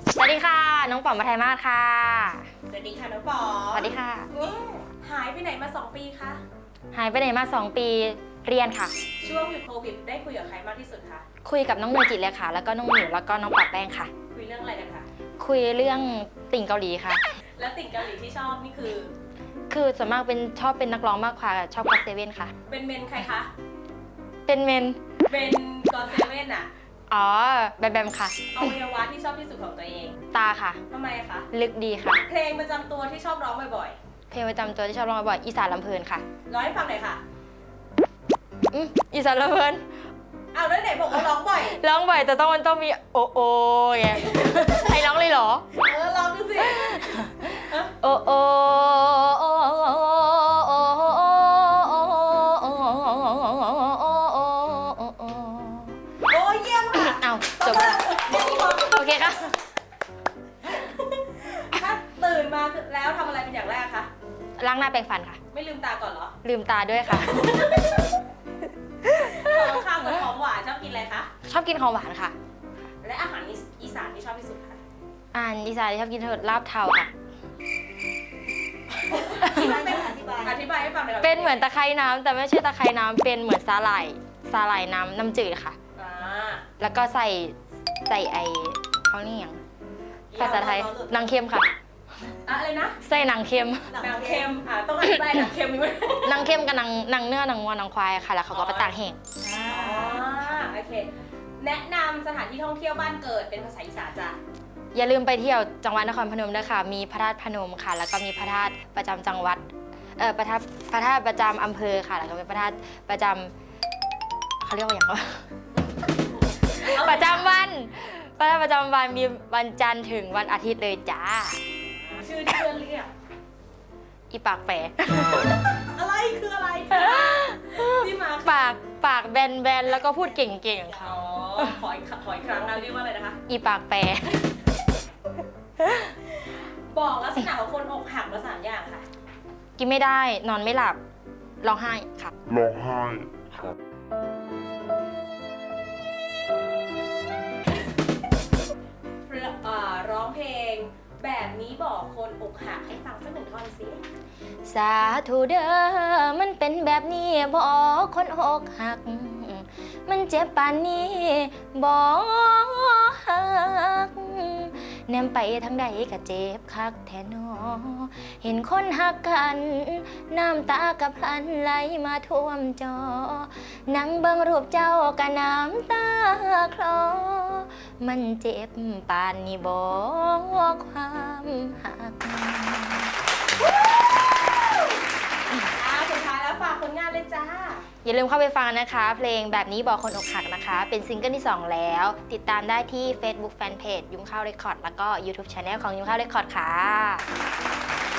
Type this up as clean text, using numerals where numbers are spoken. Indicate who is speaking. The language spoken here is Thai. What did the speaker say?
Speaker 1: สวัสดีค่ะน้องป๋อมมาไทยมาศค่ะ
Speaker 2: สวัสดีค่ะน้องป๋อม
Speaker 1: สวัสดีค่ะ
Speaker 2: หายไปไหนมา2 ปีคะ
Speaker 1: หายไปไหนมา2 ปีเรียนค่ะ
Speaker 2: ช่วงหยุดโควิดได้คุยกับใครมากที่สุดคะ
Speaker 1: คุยกับน้องเนยจิตเลยค่ะแล้วก็น้องหมิวแล้วก็น้องปักแป้งค่ะ
Speaker 2: คุยเรื่องอะไรกันคะ
Speaker 1: คุยเรื่องติ่งเกาหลีค่ะ
Speaker 2: แล้วติ่งเกาหลีที่ชอบนี่
Speaker 1: คือส่วนมากชอบเป็นนักร้องมากกว่าชอบก็อตเซเว่นค่ะ
Speaker 2: เป็นเมนใครคะ
Speaker 1: เป็นเมน
Speaker 2: เป็นก็อตเซเว่นอะ
Speaker 1: อ๋อแบมค่ะ
Speaker 2: อวัยวะที่ชอบที่สุดของตัวเอง
Speaker 1: ตาค่ะ
Speaker 2: ทำไมคะ
Speaker 1: ลึกดีค่ะ
Speaker 2: เพลงประจำตัวที่ชอบร้องบ่อย
Speaker 1: ๆเพลงประจำตัวที่ชอบร้องบ่อยๆอีสานลำเพลินค่ะ
Speaker 2: ร้องให้ฟังหน่อยค่ะ
Speaker 1: อีสานลำเพลิน
Speaker 2: เอาแล้วไหนบอกว่าร้องบ่อย
Speaker 1: ร้องบ่อยแต่มันต้องมีโอโอไงให้ร้องเลยเหรอ
Speaker 2: ลองดูสิ
Speaker 1: โอโอ
Speaker 2: โอ้เยี่ยมค่ะ
Speaker 1: เอาจบแล้วโอเคค่ะ
Speaker 2: ถ้าตื่นมาแล้วทำอะไรเป็นอย่างแรกคะ
Speaker 1: ล้างหน้าแปรงฟันค่ะ
Speaker 2: ไม่ลืมตาก่อนเหรอ
Speaker 1: ลืมตาด้วยค่ะ
Speaker 2: ของข้าวกับของหวานชอบกินอะไรคะ
Speaker 1: ชอบกินของหวานค่ะ
Speaker 2: และอาหารอีสานที่ชอบที่สุดคะ
Speaker 1: อีสานที่ชอบกินลาบเทาค่ะ
Speaker 2: อธิบายให้ฟังหน่อย
Speaker 1: เป็นเหมือนตะไคร้น้ำแต่ไม่ใช่ตะไคร้น้ำเป็นเหมือนสาหร่ายน้ำจืดค่ะแล้วก็ใส่ไอเขาเรียกภาษาไทยนางเค็มค่ะ
Speaker 2: อะไรนะ
Speaker 1: ใส่นางเค็ม
Speaker 2: นางเค็มต้องอธิบายนางเค็มไหม
Speaker 1: นางเค็มกับนางเนื้อนางวัวนางควายค่ะแล้วเขาก็ไปตากแห้ง
Speaker 2: โอเคแนะนำสถานที่ท่องเที่ยวบ้านเกิดเป็นภาษาอีสานจ้ะ
Speaker 1: อย่าลืมไปเที่ยวจังหวัดนครพนมด้วยค่ะมีพระธาตุพนมค่ะแล้วก็มีพระธาตุประจำจังหวัดพระธาตุประจำอำเภอค่ะแล้วก็เป็นพระธาตุประจำเขาเรียกว่าอย่างไรประจำวันพระธาตุประจำวันมีวันจันทร์ถึงวันอาทิตย์เลยจ้า
Speaker 2: ชื่อที่เพื่อนเรียก
Speaker 1: อีปากแปะ
Speaker 2: อะไรคืออะไรที่มา
Speaker 1: ปากแบนแล้วก็พูดเก่งๆค่ะ
Speaker 2: ขออีกครั้งนะเรียกว่าอะไรนะคะ
Speaker 1: อีปากแปะ
Speaker 2: บอกลักษณะของคนอกหักมา3 อย่างค่ะ
Speaker 1: กินไม่ได้นอนไม่หลับร้องไห้ค่ะ
Speaker 3: ร้องไห้ครับ
Speaker 2: ร้องเพลงแบบนี้บอกคนอกหักให้ฟังสัก1 ท่อนสิ
Speaker 1: สาธุเด้อมันเป็นแบบนี้บอกคนอกหักมันเจ็บปานนี้บอกหักแนมไปทางใดก็เจ็บคักแท้นอเห็นคนหักกันน้ำตากับพลันไหลมาท่วมจอนั่งเบิ่งรูปเจ้ากับน้ำตาคลอมันเจ็บปานนี้บอกความหัก
Speaker 2: สุดท้ายแล้วฝากผลงานเลยจ้า
Speaker 1: อย่าลืมเข้าไปฟังนะคะเพลงแบบนี้บอกคนอกหักนะคะเป็นซิงเกิลที่2แล้วติดตามได้ที่ Facebook Fanpage ยุ้งข้าวเรคคอร์ดแล้วก็ YouTube Channel ของยุ้งข้าวเรคคอร์ดค่ะ